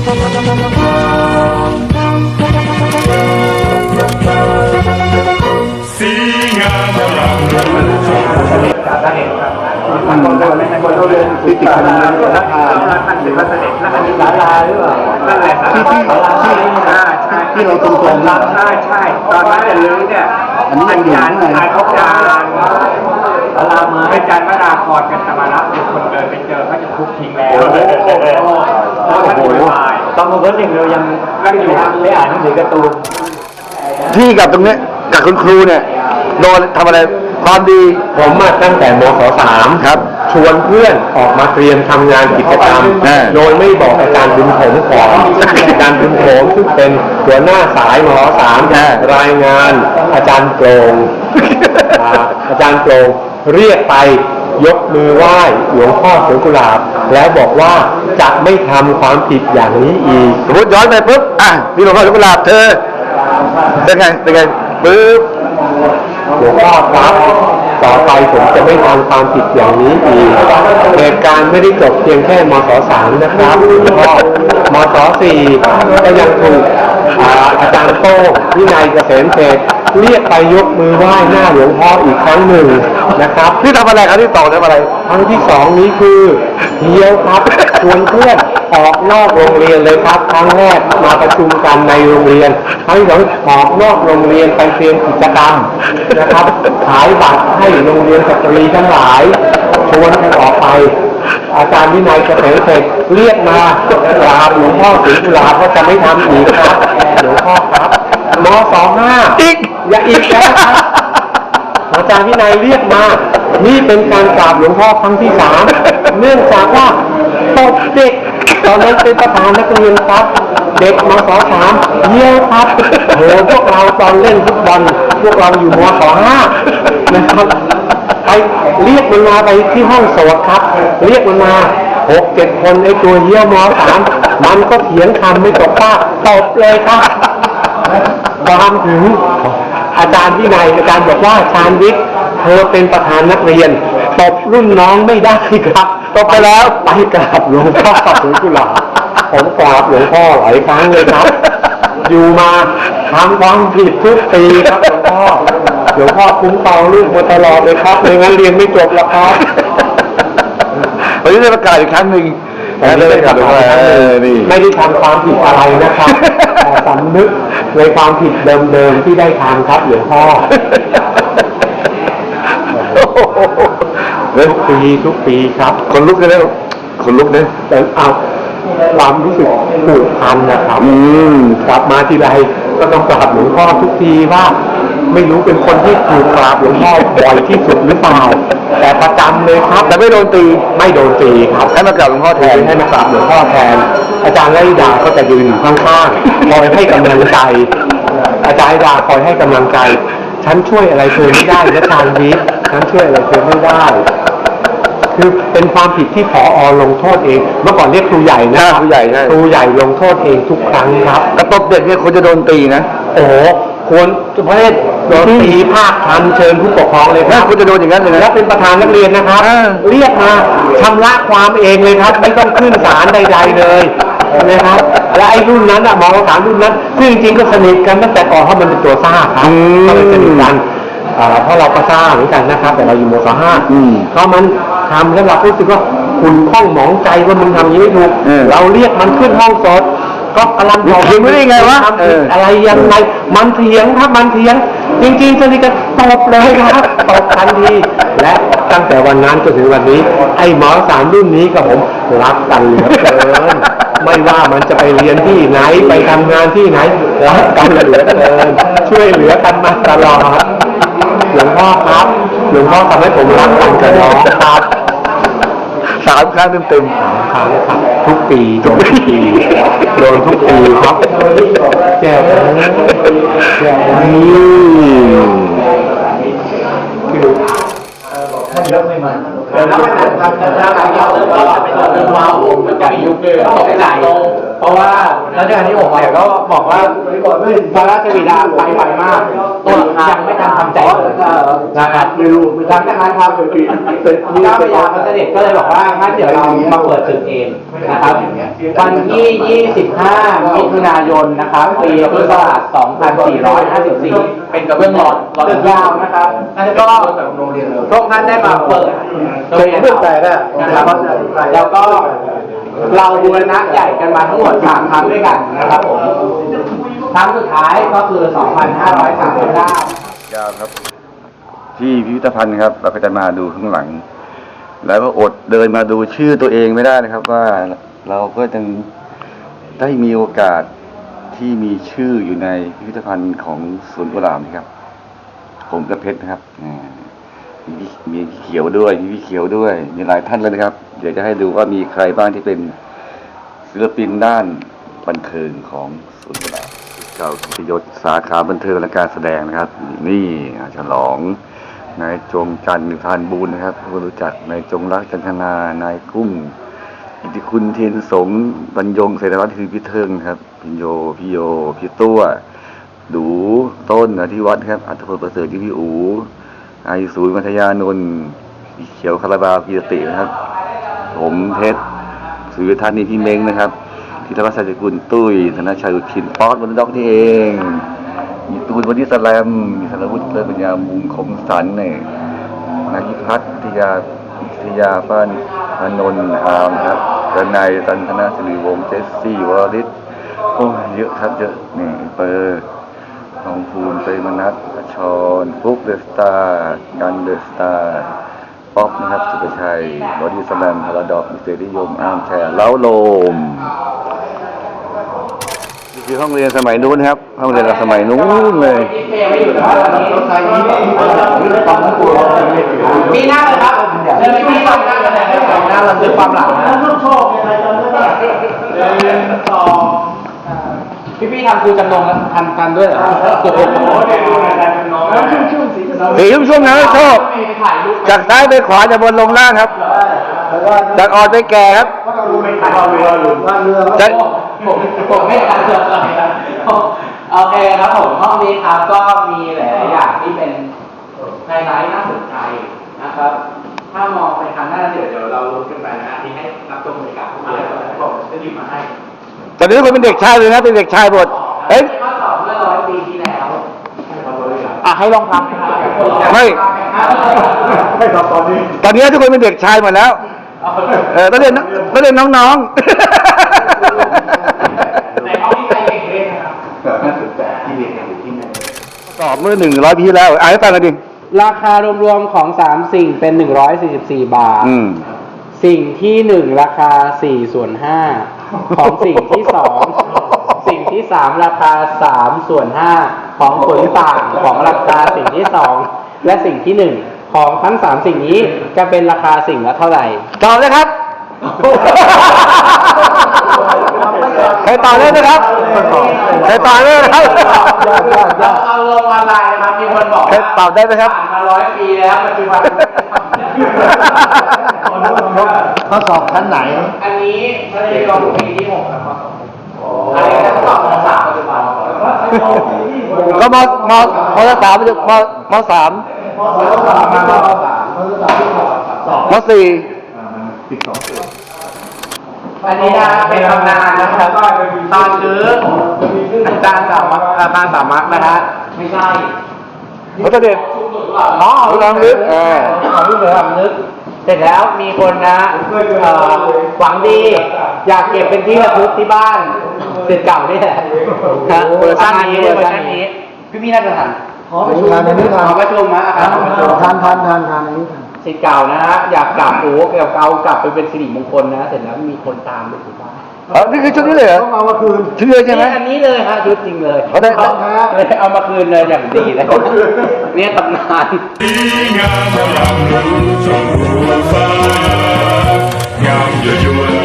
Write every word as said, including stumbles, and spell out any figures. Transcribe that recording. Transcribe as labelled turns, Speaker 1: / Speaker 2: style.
Speaker 1: สีงามอลัง
Speaker 2: มันคนเราไม่ใช่คนเราเรียนติดติดกันเลยนะท่านเป็นพระเสด็จและอันนี้ศาลาหรือเปล่านั่นแหละที่ที่ศาลาที่ที่เราตรงตรงใช่ใช่ตอนนั้นจะลื้อเนี่ยอันนี้เป็นจานชายเขาจานศาลามาเป็นจานพระดาครกันสมารับมีคนเดินไปเจอเขาจะทุบทิ้งแล้วโอ้โหตอนมาเพิ่งหนึ่งเรายังนั่งอยู่ได้อ่านหนังสือการ์ตูนที่กับตรงนี้กับคุณครูเนี่ยโดนทำอะไรความดี
Speaker 3: ผมมาตั้งแต่มศสาม
Speaker 2: ครับ
Speaker 3: ชวนเพื่อนออกมาเตรียมทำงานกิจกรรมโดยไม่บอกอาจารย์บุญผมก่อนอาจารย์บุญผมซึ่งเป็นหัวหน้าสายมศสามรายงานอาจารย์โปร่งอาจารย์โปร่งเรียกไปยกมือไหว้หลวงพ่อสวนกุหลาบแล้วบอกว่าจะไม่ทำความผิดอย่างนี้อีก
Speaker 2: สมมติย้อนไปปุ๊บอ่ะนี่หลวงพ่อสวนกุหลาบเธอเป็นไงเป็นไงปุ๊บ
Speaker 3: หลวงพ่อครับต่อไปผมจะไม่ทำความผิดอย่างนี้อีกเหตุการณ์ไม่ได้จบเพียงแค่มศสามนะครับหลวงพ่อมศสี่ก็ยังถูกอาจารย์โต้งวินัยเกษมเศรษฐ์เรียกไปยกมือไหว้หน้าหลวงพ่ออีกครั้งหนึ่งนะครับ
Speaker 2: ที่ทำอะไรครับที่ต่อทำอะไร
Speaker 3: ครั้งที่สองนี้คือเที่ยวครับชวนเพื่อนออกนอกโรงเรียนเลยครับครั้งแรกมาประชุมกันในโรงเรียนครั้งที่สองออกนอกโรงเรียนไปเตรียมกิจกรรมนะครับขายบัตรให้โรงเรียนสตรีทั้งหลายชวนกันออกไปอาจารย์วินัยเกษมเศรษฐ์เรียกมากราบหลวงพ่อศรีกุหลาบก็จะไม่ทำอีกครับหลวงพ่อครับมสองห้า
Speaker 2: อีก
Speaker 3: อย่าอีกนะครับอาจารย์วินัยเรียกมานี่เป็นการกราบหลวงพ่อครั้งที่สามเนื่องจากว่าตบเด็กตอนนั้นเป็นประธานนักเรียนครับเด็กมศสามเยี่ยวครับโหพวกเราตอนเล่นฟุตบอลพวกเราอยู่มศห้านะครับไปเรียกมันมาไปที่ห้องโสดครับเรียกมันมาหกเจ็ดคนไอ้ตัวเยี่ยวมสามมันก็เถียงคำไม่ตกปากตบเลยครับความถึงอาจารย์วินัยอาจารย์บอกว่าชาญวิทย์เธอเป็นประธานนักเรียนตบรุ่นน้องไม่ได้ครับตบไปแล้วไปกราบหลวงพ่อสวนกุหลาบผมกราบหลวงพ่อหลายครั้งเลยครับอยู่มาทำความผิดทุกปีครับหลวงพ่อหลวงพ่อคุ้มครองลูกมาตลอดเลยครับไม่งั้นเรียนไม่จบแล้วครับ
Speaker 2: วันนี้ได้ประกาศอีกครั้งหนึ่ง
Speaker 3: ไม่ได้ทำไม่ได้ทำความผิดอะไรนะครับแต่สำนึกในความผิดเดิมๆที่ได้ทำครับหลวงพ่อทุกปีทุกปีครับ
Speaker 2: คนลุกเลยนะคนลุกเนี่ย
Speaker 3: แต่เอาความรู้สึกผูกพันนะครับกลับมาทีไรก็ต้องกราบหลวงพ่อทุกทีว่าไม่รู้เป็นคนที่ถูกกราบหลวงพ่อบ่อยที่สุดหรือเปล่าแต่ประจำเลยครับ
Speaker 2: แต่ไม่โดนตี
Speaker 3: ไม่โดนตีครับ
Speaker 2: ให้มากราบหลวงพ่อแทน
Speaker 3: ให้มากราบหลวงพ่อแทนอาจารย์ไล่ดาก็จะยืนอยู่ข้างๆคอยให้กำลังใจอาจารย์ดาคอยให้กำลังใจฉันช่วยอะไรเธอไม่ได้นะชาญวิทย์ฉันช่วยอะไรเธอไม่ได้คือเป็นความผิดที่ผอ.ลงโทษเองเมื่อก่อนเรียกครูใหญ่นะ
Speaker 2: ครูใหญ่
Speaker 3: ครูใหญ่ลงโทษเองทุกครั้งครับ
Speaker 2: กระตบเด็กเนี่ยคนจะโดนตีนะ
Speaker 3: โอ้ควรประเภทโดนตีภาคทันเชิญผู้ปกครองเลยครับ
Speaker 2: คุณจะโดนอย่างนั้นเลยนะ
Speaker 3: แล้วเป็นประธานนักเรียนนะครับเรียกมาชำระความเองเลยครับไม่ต้องขึ้นศาลใดๆเลยนะครับและไอ้รุ่นนั้นอะมองสามรุ่นนั้นซึ่งจริงๆก็สนิทกันตั้งแต่ก่อนเพราะมันเป็นตัวซ่าครับก็เลยสนิทกันเพราะเราก็ซ่าเหมือนกันนะครับแต่เราอยู่มศห้าเพราะมันทำแล้วเรารู้สึกว่าคุณข้องหมองใจว่ามึงทำอย่างนี้ไม่ถูกเราเรียกมันขึ้นห้องสดก็กำลังบอก
Speaker 2: เถียงไม่ได้ไงวะ
Speaker 3: อะไรยังไงมันเถียงครับมันเถียงจริงๆสนิทกันตบเลยครับตบทันทีและตั้งแต่วันนั้นจนถึงวันนี้ไอ้หมอสามรุ่นนี้กับผมรักกันเหลือเกินไม่ว่ามันจะไปเรียนที่ไหนไปทำงานที่ไหนรักกันเหลือเกินช่วยเหลือกันมาตลอดหลวงพ่อครับหลวงพ่อทำให้ผมรักกันกับน้องครับ
Speaker 2: สามครั้งเต็ม
Speaker 3: ๆสามครั้งครับทุกปีโดนทุกปีโดนทุกปีครับแก้วแก้วนี่คือท่านยกไม่มาแล้วไม่ทันทำแล้วเราเราเราเป็นเราเป็นว้าวมันจะมียุคเดิมตกใจ
Speaker 2: ราะว่ารัชกาลที่หกเนี่ยก็บอกว่าพระราชบิดาไปไวมากตัวยังไม่ทันทำใจเลยนะครับไม่รู้หลังจากนั้นครับเจ้าพระยาพระเสด็จก็เลยบอกว่างั้นเดี๋ยวเรามาเปิดศึกเองนะครับวันที่ยี่สิบห้ามิถุนายนนะครับปีพุทธศักราชสองพันสี่ร้อยห้าสิบสี่เป็นกระเบื้องหลอดหลอดยาวนะครับแล้วก็พระองค์ท่านได้มาเปิดเคยเห็นเรื่องแต่นะครับแล้วก็เราบูรณะใหญ่กันมาทั้งหมดสามครั้งด้วยกันนะครับผมครั้งสุดท้ายก็คือสองพันห้าร้อยสามสิบเก้าย
Speaker 4: าวครับที่พิพิธภัณฑ์ครับเราก็จะมาดูข้างหลัง แล้วก็อดเดินมาดูชื่อตัวเองไม่ได้นะครับ ว่าเราก็จะได้มีโอกาสที่มีชื่ออยู่ในพิพิธภัณฑ์ของสวนกุหลาบนะครับ ผมกับเพชรนะครับมีพี่มีพี่เขียวด้วยมีพี่เขียวด้วยมีหลายท่านเลยนะครับ เดี๋ยวจะให้ดูว่ามีใครบ้างที่เป็นศิลปินด้านบันเทิงของสวนกุหลาบเก่ากิตยศสาขาบันเทิงและการแสดงนะครับ นี่ฉลองนายจงจันทร์ทานบูรณ์นะครับผู้รู้จักนายจงรักจันทนานายกุ้งอิทธิคุณเทียนสงบรรยงเศรษฐวัฒน์คือพี่เทิงครับพิญโยพี่โยพี่ตัวดูต้นอธิวัฒน์ครับอัตพลประเสริฐที่พี่อูไอศูนย์มัธยานนท์พี่เขียวคาราบาวพี่ตินะครับผมเพชรสุริทัศน์นี่พี่เม้งนะครับธีรวัฒน์สัจกุลตุ้ยธนชัยอุทินป๊อตวันด็อกนี่เองมีตูนวันนี้สแลมมีสารวุฒิเลยปัญญามุงคมสันเนี่ยนายพิพัฒน์วิทยาวิทยาป้านอนนท์อามครับกระนายตันธนาสิริวงศ์เจสซี่วอริสโอ้เยอะครับเยอะนี่เปอร์ทองภูมิเตยมนัสชรฟุกเดอะสตาร์กันเดอะสตาร์ป๊อปนะครับสุภชัยบอดี้สแลมพาราดอกมิสเตอร์นิยมอาร์มแชร์เล้าโลมนี่คือห้องเรียนสมัยนู้นครับห้องเรียนเราสมัยนู้นเลย
Speaker 2: ปีหน้าเลยครับเดือนปีหน้าหน้ากันเลยหน้าเราซื้อความหลังนะพี่พี่ทำครูจำนงแล้วทันกันด้วยเหรอโอ้โหเดี๋ยวชุ่มชุ่มนะชอบจากซ้ายไปขวาจากบนลงล่างครับจากอ่อนไปแก่ครับจากผมไม่ทันเลยโอเคครับผมห้องนี้ครับก็มีหลายๆอย่างที่เป็นไฮไลท์น่าสนใจนะครับถ้ามองไปทางหน้าเดี๋ยวเดี๋ยวเราลุ้นกันไปนะที่ให้รับชมบรรยากาศผมจะหยิบมาให้
Speaker 4: ตอนนี้ทุกคนเป็นเด็กชายเลยนะเป็นเด็กชายหมดเอ้ย
Speaker 2: ข้อสอบเมื่อร้อยปีที่แล้วอ่ะให้ลองทำ
Speaker 4: ไม่
Speaker 2: ไม่ทำตอนนี้
Speaker 4: ตอนนี้ทุกคนเป็นเด็กชายหมดแล้วเออต้องเรียนต้องเรียนน้องๆ
Speaker 2: ในห้องที่ใครเก่งเล่นนะครับน่าสนใจที่เรียนอยู่ที่ไหน
Speaker 4: สอบเมื่อหนึ่งร้อยปีที่แล้วอ่านให้ฟังกันดิ
Speaker 2: ราคารวมๆของสามสิ่งเป็นหนึ่งร้อยสี่สิบสี่บาทสิ่งที่หนึ่งราคาสี่ส่วนห้าของสิ่งที่สองสิ่งที่สามราคาสามส่วนห้าของผลต่างของราคาสิ่งที่สองและสิ่งที่หนึ่งของทั้งสามสิ่งนี้จะเป็นราคาสิ่งละเท่าไหร่
Speaker 4: ตอบเลยครับใครตอบเลยนะครับใครตอบเลยนะครับ
Speaker 2: เราเอาลงออนไลน์นะครับมีคนบอก
Speaker 4: ใครตอบได้ไหมครับ
Speaker 2: ผ่านมาร้อยปีแล้วปัจจุบัน
Speaker 4: ข้อสอบชั้นไหน
Speaker 2: อันนี้ไม่ได้ลงปีที่หกครับข้อสอบอันนี้จะสอบมสามปัจจุบัน
Speaker 4: ก็มมมสามมมสามมสี่
Speaker 2: อันนี้นะเป็นตำนานนะครับตอนซื้ออาจารย์สามัคอาจารย์สามัคนะฮะไม่ใช่
Speaker 4: เขาจะเด็ด
Speaker 2: อ๋อ
Speaker 4: รู้ลำลึกเออ
Speaker 2: รู้ลำลึกเสร็จแล้วมีคนนะหวังดีอยากเก็บเป็นที่ระลึกที่บ้านเสร็จเก่านี่แหละนะเวอร์ชันนี้เวอร์ชันนี้พี่พี่น่าจะทัน
Speaker 3: ขอประชุมทานนี้ทาน
Speaker 2: ขอประชุมนะ
Speaker 3: ทานทานทานทานทานอันนี้ทาน
Speaker 2: สิทธิ์เก่านะฮะอยากกลับโอ้เกี่ยวกับกลับไปเป็นสิริมงคลนะเสร็จแล้วมีคนตามไปถึงบ้าน
Speaker 4: อ๋อนี่คือชุดนี้เลยเหรอ
Speaker 3: เอามาคืน
Speaker 4: ชุดเลยใช่ไหม
Speaker 2: อันนี้เลยฮะชุดจริงเลย
Speaker 4: เขาได้
Speaker 2: เอาเอามาคืนเลยอย่างดีเลยเนี่ยตำนาน
Speaker 1: ดีงามรำรู้ชมรู้ฟ้างามยั่วยวน